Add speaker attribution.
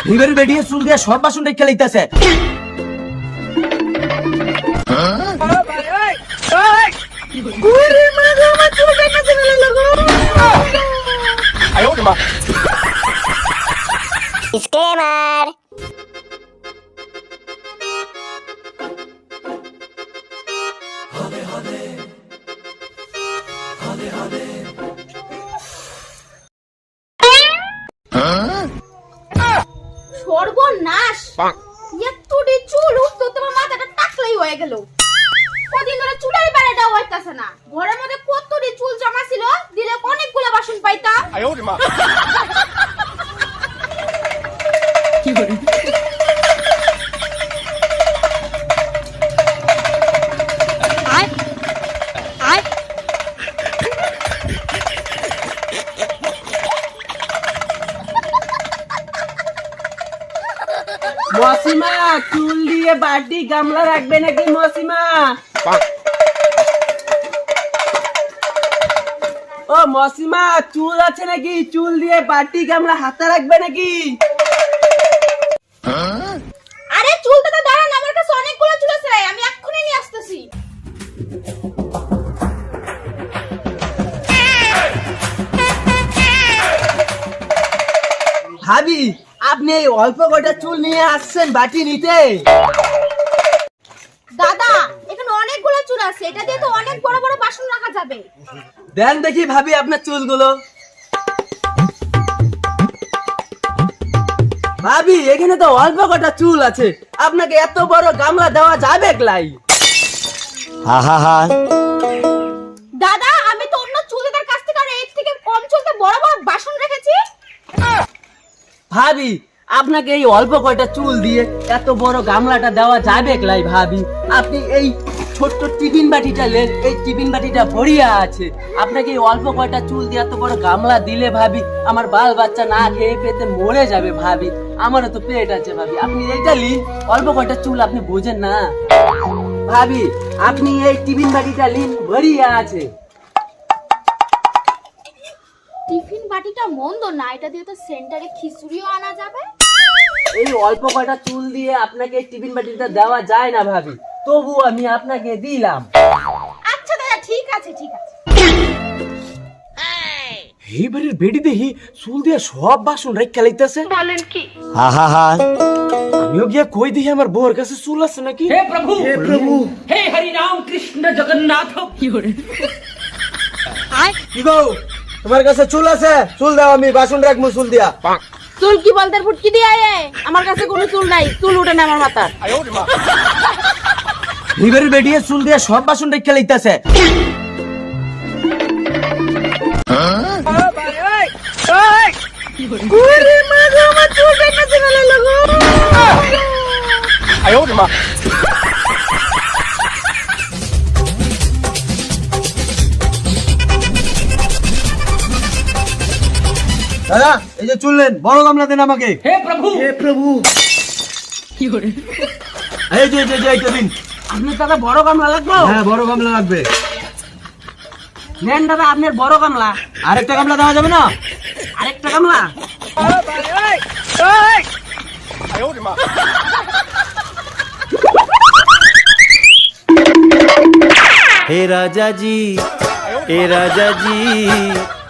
Speaker 1: এবারে বেরিয়ে চুল দিয়ে সব বাসন রেখে লইতাছে।
Speaker 2: ডিসক্লেমার।
Speaker 3: সর্বনাশ, এতটি চুল উঠতো তোমার মাথাটা টাকলাই হয়ে গেল। কদিন ধরে চুলের বেড়াটা হইতাছে না। ঘরের মধ্যে কতটি চুল জমা ছিল, দিলে অনেকগুলো বাসন পাইতা। কি করে
Speaker 1: মসিমা চুল দিয়ে বাটি গামলা রাখবে নাকি মসিমা? ও মসিমা চুল আছে নাকি? চুল দিয়ে বাটি গামলা হাতে রাখবে নাকি?
Speaker 3: আরে চুলটা তো দাঁড়ান, আমার কাছে অনেকগুলো চুল আছে, আমি এক্ষুনি নিয়ে আসতেছি।
Speaker 1: ভাবি আপনি এই অল্প কটা চুল নিয়ে আসছেন বাটি নিতে?
Speaker 3: দাদা এখানে অনেকগুলো চুল আছে, এটা দিয়ে তো অনেক বড় বড় বাসন রাখা যাবে।
Speaker 1: দেন দেখি ভাবি আপনার চুলগুলো। ভাবি এখানে তো অল্প কটা চুল আছে, আপনাকে এত বড় গামলা দেওয়া যাবে লাই?
Speaker 3: দাদা আমি তো অন্য চুলদার কাছ থেকে আর এর থেকে কম চুলতে বড় বড় বাসন রেখেছি।
Speaker 1: ভাবি আপনাকে এই অল্প কয়টা চুল দিয়ে এত বড় গামলাটা দেওয়া যাবে লাই? ভাবি আপনি এই ছোট্ট টিফিন বাটিটা নেন, এই টিফিন বাটিটা ভরিয়া আছে, আপনাকে এই অল্প কয়টা চুল দিয়ে এত বড় গামলা দিলে ভাবি আমার বাল বাচ্চা না খেয়ে পেতে মরে যাবে ভাবি, আমারও তো পেট আছে ভাবি, আপনি এইটা লিন, অল্প কয়টা চুল আপনি বোঝেন না ভাবি, আপনি এই টিফিন বাটিটা লিন ভরিয়া আছে।
Speaker 3: টিফিন বাটিটা মন্দ না, এটা দিয়ে তো সেন্টারে খিচুড়িও আনা যাবে।
Speaker 1: এই অল্প কয়টা চুল দিয়ে আপনাকে টিফিন বাটিটা দেওয়া যায় না ভাবি, তবু আমি আপনাকে দিলাম।
Speaker 3: আচ্ছা দাদা ঠিক আছে ঠিক আছে।
Speaker 1: এই বাড়ির বেডি দেখি চুল দিয়ে সব বাসন রেখে লাইতেছে।
Speaker 3: বলেন কি?
Speaker 1: আমিও গিয়ে কই দেখি আমার বউর কাছে চুল আছে নাকি।
Speaker 4: हे प्रभु
Speaker 1: হে প্রভু,
Speaker 4: हे हरि राम कृष्ण जगन्नाथ
Speaker 1: কি গো তোমার কাছে চুল আছে? চুল দাও, আমি বাসন রাখবো চুল দিয়া।
Speaker 3: চুল কি বলতে ফুটকি দিয়ে আয়, আমার কাছে কোনো চুল নাই, চুল উঠে না আমার মাথার।
Speaker 1: এবারে বেডিয়ে চুল দিয়ে সব বাসন রেখে লাইতেছে। দাদা এই যে চুল নেন, বড় গামলা দেন আমাকে।
Speaker 4: हे प्रभु
Speaker 1: প্রভু এই যে এইটা দিন।
Speaker 3: আপনার দাদা বড় গামলা লাগবে?
Speaker 1: হ্যাঁ বড় গামলা লাগবে।
Speaker 3: নেন দাদা আপনার বড় গামলা।
Speaker 1: আরেকটা গামলা দেওয়া যাবে না?
Speaker 3: আরেকটা গামলা?
Speaker 5: हे राजा जी